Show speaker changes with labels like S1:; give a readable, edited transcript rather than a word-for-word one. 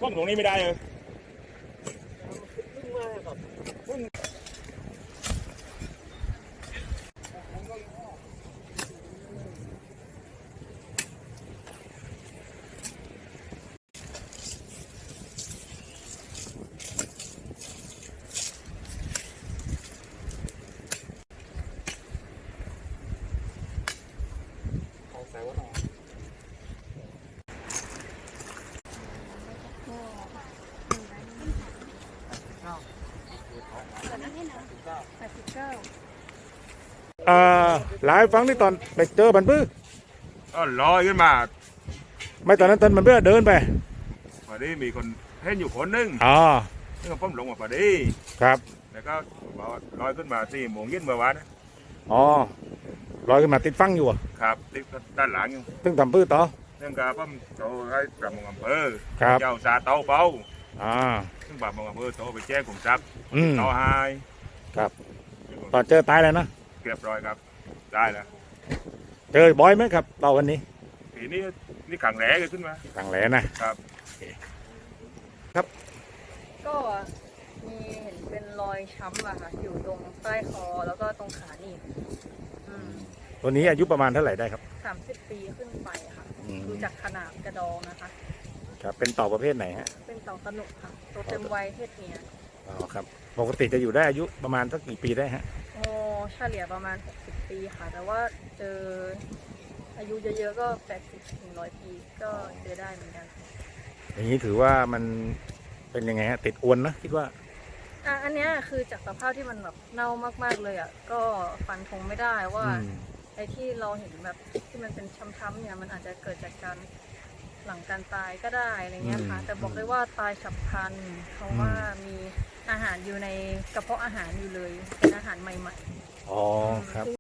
S1: ป้องตรงนี้ไม่ได้เลย
S2: หลายฟังที่ตอนไปเจอมันปื้อ
S1: ก็ลอยขึ้นมา
S2: ไม่ตอนนั้นตอนมันเพื่อเดินไป
S1: พอดีมีคนเห็นอยู่คนนึงนี่ก็พ้มลงมาพอดี
S2: ครับ
S1: แล้วก็ลอยขึ้นมา4 โมงเย็นเมื่อวานนะ
S2: ลอยขึ้นมาติดฟังอยู่
S1: ครับติดด้านหลังอยู่
S2: ตึ้งทำปื้อต่อ
S1: เรื่องการพ้มโตให้ประมงอำเภอ
S2: ครับ
S1: เจ้าซาเต้าเป้าซึ่งประมงอำเภอโตไปแจ้งกลุ่มทรัพย์ต่อหาย
S2: ครับตอนเจอตายแล้วนะ
S1: เรียบร้อยครับได้แล้ว
S2: เจอบ่อยไหมครับเราวันนี้
S1: ปีนี้นี่ขังแหลขึ้นมา
S2: ขังแหลนะครับครับ
S3: ก็มีเห็นเป็นรอยช้ำอะค่ะอยู่ตรงใต้คอแล้วก็ตรงขาหนีบ
S2: ตัวนี้อายุประมาณเท่าไหร่ได้ครับ
S3: 30 ปีขึ้นไปค่ะดูจากขนาดกระดองนะคะ
S2: ครับเป็นเต่าประเภทไหนฮะ
S3: เป็นเต่าตะหนุค่ะตัวเต็มวัยเพศเมีย
S2: ครับปกติจะอยู่ได้อายุประมาณสักกี่ปีได้ฮะ
S3: เฉลี่ยประมาณ60 ปีค่ะแต่ว่าเจออายุเยอะๆก็80 ถึง 100 ปีก็เจอได้เหมือนกัน
S2: อย่างนี้ถือว่ามันเป็นยังไงฮะติดอวนนะคิดว่า
S3: อันนี้คือจากสภาพที่มันแบบเน่ามากๆเลยอ่ะก็ฟันธงไม่ได้ว่าไอ้ที่เราเห็นแบบที่มันเป็นช้ำๆเนี่ยมันอาจจะเกิดจากการหลังการตายก็ได้อะไรเงี้ยค่ะแต่บอกได้ว่าตายฉับพลันเพราะว่ามีอาหารอยู่ในกระเพาะอาหารอยู่เลยเป็นอาหารใหม่ๆ
S2: ครับ